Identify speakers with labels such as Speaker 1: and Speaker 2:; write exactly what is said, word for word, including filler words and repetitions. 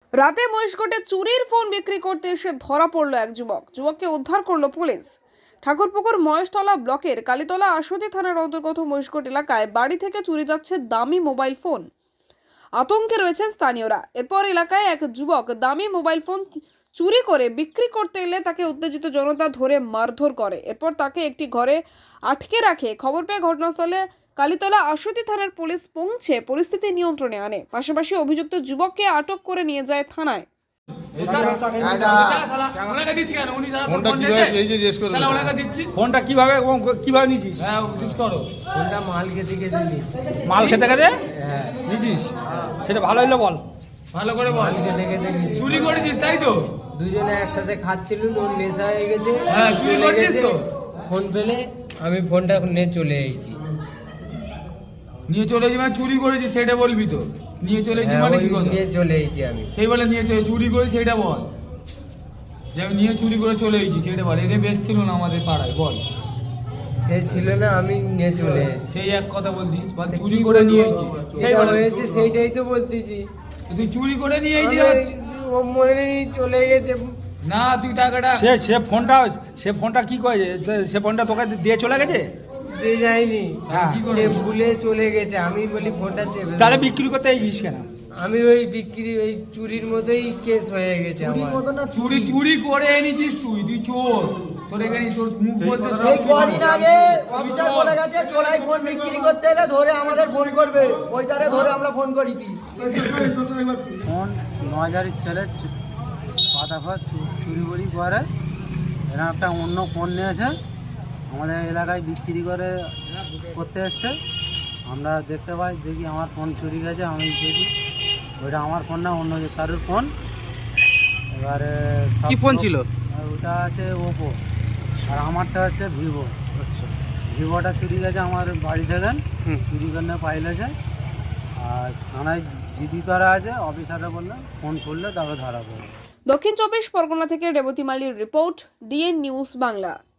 Speaker 1: রাতে মহিষকোটে চুরির ফোন বিক্রি করতে এসে ধরা পড়ল এক যুবক। যুবককে উদ্ধার করলো পুলিশ। ঠাকুরপুকুর মহেশতলা ব্লকের কালীতলা আশুতি থানার অন্তর্গত মহিষকোট এলাকায় বাড়ি থেকে চুরি যাচ্ছে দামি মোবাইল ফোন। আতঙ্কে রয়েছেন স্থানীয়রা। এরপর এলাকায় এক যুবক দামি মোবাইল ফোন চুরি করে বিক্রি করতে এলে তাকে উত্তেজিত জনতা ধরে মারধর করে। এরপর তাকে একটি ঘরে আটকে রাখে। খবর পেয়ে ঘটনাস্থলে কালীতলা আশুতি থানার পুলিশ পৌঁছে পরিস্থিতি নিয়ন্ত্রণে আনে। পাশাপাশি অভিযুক্ত যুবককে আটক করে নিয়ে যায় থানায়।
Speaker 2: ফোনটা কিভাবে এই যে জিজ্ঞেস করো ফোনটা কিভাবে এবং কিভাবে নিয়েছিস?
Speaker 3: হ্যাঁ জিজ্ঞেস করো।
Speaker 4: ফোনটা মাল খেতে খেতে নিচ্ছি।
Speaker 2: মাল খেতে খেতে
Speaker 4: হ্যাঁ
Speaker 2: নিয়েছিস? সেটা ভালো হইলো বল।
Speaker 3: ভালো করে বল।
Speaker 4: মাল খেতে খেতে নিচ্ছি।
Speaker 3: চুরি করেছিস তাই তো?
Speaker 4: দুজনে একসাথে খাচ্ছিল, ওর নেশা হয়ে গেছে।
Speaker 3: হ্যাঁ, চুরি
Speaker 4: চলে
Speaker 3: করেছিস
Speaker 4: গেছে।
Speaker 3: তো?
Speaker 4: ফোন পেলে আমি ফোনটা নিয়ে চলে এসেছি।
Speaker 3: নিয়ে চলে যাবি মানে চুরি করেছিস সেটা বলবি তো। নিয়ে চলে যাবি
Speaker 4: হ্যাঁ,
Speaker 3: মানে
Speaker 4: ওই
Speaker 3: কি কথা?
Speaker 4: নিয়ে চলে এসেছি আমি।
Speaker 3: সেই বলে নিয়ে চলে চুরি করে সেটা বল। যে আমি নিয়ে চুরি করে চলে এসেছি সেটা বল। এদের বেশ ছিল না আমাদের পাড়ায় বল।
Speaker 4: সে ছিল না, আমি নিয়ে চলে এসেছি।
Speaker 3: সেই এক কথা বলছিস বল চুরি করে নিয়ে এসেছিস। সেই
Speaker 4: যেটা
Speaker 3: বলে
Speaker 4: হয়েছে সেইটাই তো বলতেছি।
Speaker 3: তুই চুরি করে নিয়ে এসেছিস।
Speaker 4: আমি- ও মনে নেই, চলে গেছে।
Speaker 3: না তুই টাকাটা
Speaker 2: সে সে ফোনটা সে ফোনটা কি করেছে? সে ফোনটা তোকে দিয়ে চলে গেছে?
Speaker 4: দিয়ে যায়নি,
Speaker 2: হ্যাঁ।
Speaker 4: সে ভুলে চলে গেছে। আমি বলি ফোনটা চেপে দাও।
Speaker 2: তাহলে বিক্রি করতে এসেছিস কেন?
Speaker 4: আমি ওই বিক্রি ওই চুরির মতোই কেস হয়ে গেছে আমার।
Speaker 3: চুরি চুরি করে এনেছিস তুই তুই চোর। তোর এখানে তোর মুখ বলতে সব
Speaker 5: এই কদিন আগে অফিসার বলে গেছে চোরাই ফোন বিক্রি করতে এলে ধরে আমাদের ফোন করবে, ওই তারে ধরে আমরা ফোন করেছি।
Speaker 6: ফোন নজারির ছেলে পাতা ফা চুরি বুড়ি করে, এরা একটা অন্য ফোন নিয়েছে, আমাদের এলাকায় বিক্রি করে করতে এসছে। আমরা দেখতে পাই, দেখি আমার ফোন চুরি গেছে। আমি দেখি ওইটা আমার ফোন না, অন্য যে কারোর ফোন। এবারে সব
Speaker 2: কি ফোন ছিল?
Speaker 6: আর ওটা আছে ওপো, আর আমারটা হচ্ছে ভিভো।
Speaker 2: আচ্ছা,
Speaker 6: ভিভোটা চুরি গেছে আমার বাড়ি থেকে, চুরি করে পাইলেছে। আর থানায় জিডি করা আছে, অফিসাররা বললে ফোন করলে তবে ধরা পড়বে।
Speaker 1: দক্ষিণ চব্বিশ পরগনা থেকে রেবতী মালির রিপোর্ট, ডিএন নিউজ বাংলা।